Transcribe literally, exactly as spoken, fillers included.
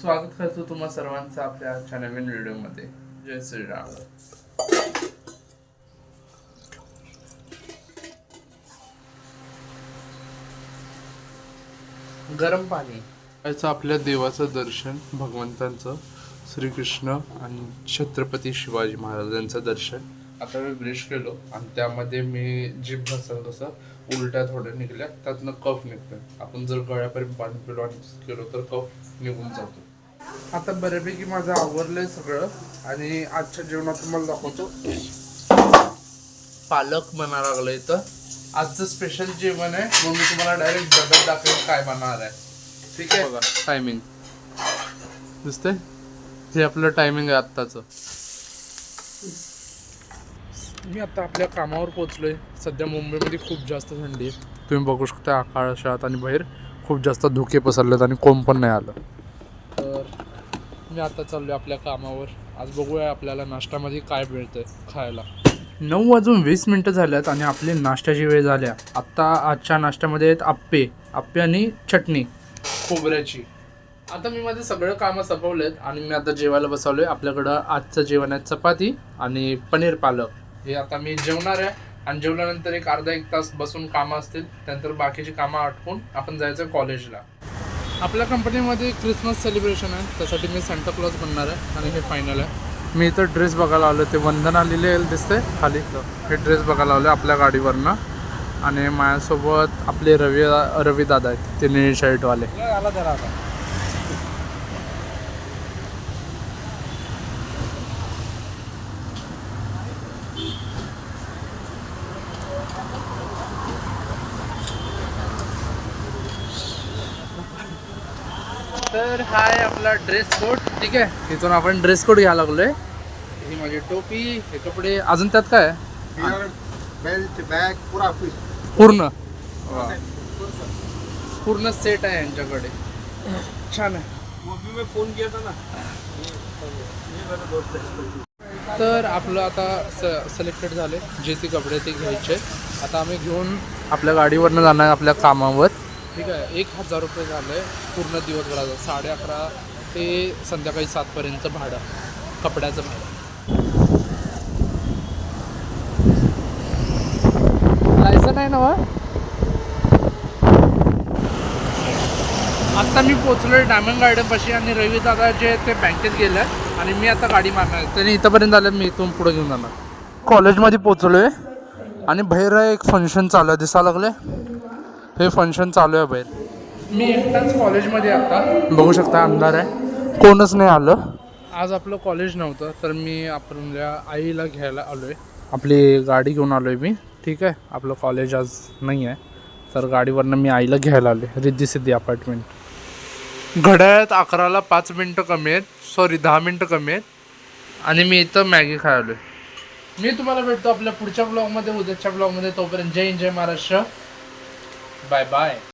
स्वागत करतो तुम्हा सर्वांचं आपल्या आजच्या नवीन व्हिडिओमध्ये. जय श्रीराम. गरम पाणी याचं आपल्या देवाचं दर्शन, भगवंतांचं श्रीकृष्ण आणि छत्रपती शिवाजी महाराजांचं दर्शन. आता मी ब्रश केलो आणि त्यामध्ये मी जीभ घासल कसं उलट्या थोड्या निघल्या, त्यातनं कफ निघतोय. आपण जर गळ्यापर्यंत पाणी पिलो आणि केलो तर कफ निघून जातो. आता बऱ्यापैकी माझं आवरलंय सगळं आणि आजच्या जेवणात तुम्हाला दाखवतो. पालक बना लागलंय. तर आजचं स्पेशल जेवण आहे, मग मी तुम्हाला डायरेक्ट डब्यात दाखवेन काय बनणार आहे. ठीक आहे. बघा टायमिंग दिसतंय, हे आपलं टायमिंग आहे आत्ताचं. मी आता आपल्या कामावर पोहोचलोय. सध्या मुंबईमध्ये खूप जास्त थंडी आहे, तुम्ही बघू शकता आकाशात, आणि बाहेर खूप जास्त धुके पसरलेत आणि कोंब पण नाही आलं. तर मी आता चाललोय आपल्या कामावर. आज बघूया आपल्याला नाश्त्यामध्ये काय मिळतंय खायला. नऊ वाजून वीस मिनटं झाल्यात आणि आपली नाश्त्याची वेळ झाल्या. आत्ता आजच्या नाश्त्यामध्ये आहेत आप्पे आप्पे आणि चटणी खोबऱ्याची. आता मी माझे सगळं कामं संपवलेत आणि मी आता जेवायला बसवलोय. आपल्याकडं आजचं जेवण आहे चपाती आणि पनीर पालक. हे आता मी जेवणार आहे आणि जेवल्यानंतर एक अर्धा एक तास बसून कामं असतील, त्यानंतर बाकीची कामं आटपून आपण जायचं कॉलेजला. आपल्या कंपनीमध्ये क्रिसमस सेलिब्रेशन आहे, त्यासाठी मी सांता क्लॉज बनणार आहे आणि हे फायनल आहे. मी इथं ड्रेस बघायला आलो, ते वंदना लिहिलेलं दिसते खाली. हे ड्रेस बघायला आलो आपल्या गाडीवरनं. आणि माझ्यासोबत आपले रवी रवी दादा आहेत, ते निळी शर्टवाले. तर हा आहे आपला ड्रेस कोड. ठीक आहे, इथून आपण ड्रेस कोड घ्यायला लागलोय. ही माझी टोपी, हे कपडे, अजून त्यात काय बेल्ट बॅग पुरा पूर्ण पूर्ण सेट आहे यांच्याकडे. छान आहे. फोन किया था ना. तर आपलं आता स सिलेक्टेड झाले जे ते कपडे ते घ्यायचे. आता आम्ही घेऊन आपल्या गाडीवरनं जाणार आपल्या कामावर. ठीक आहे. एक हजार रुपये झालं आहे पूर्ण दिवसभराचं, साडे अकरा ते संध्याकाळी सातपर्यंतचं भाडं, कपड्याचं भाडं. लायसन आहे ना वा. आत्ता मी पोचलोय डायमंड गार्डनपाशी आणि रवी दादा जे ते बँकेत गेले आणि मी आता गाडी मारणार. त्यांनी इथंपर्यंत आल्यात, मी इथून पुढे घेऊन जाणार. कॉलेजमध्ये पोचलोय आणि बाहेर एक फंक्शन चालू आहे, दिसायला लागले. हे फंक्शन चालू आहे बाहेर. मी एकटाच कॉलेजमध्ये आता बघू शकता, अंधार आहे, कोणच नाही आलं. आज आपलं कॉलेज नव्हतं, तर मी आपल्या आईला घ्यायला आलो आहे. आपली गाडी घेऊन आलो आहे मी. ठीक आहे. आपलं कॉलेज आज नाही आहे, तर गाडीवरनं मी आईला घ्यायला आलो आहे रिद्धी सिद्धी अपार्टमेंट. घड्याळात अकराला पाच मिनटं कमी आहेत, सॉरी दहा मिनटं कमी आहेत, आणि मी इथं मॅगी खायला आलो आहे. मी तुम्हाला भेटतो आपल्या पुढच्या ब्लॉगमध्ये, उद्याच्या ब्लॉगमध्ये. तोपर्यंत जय हिंद, जय महाराष्ट्र. Bye bye.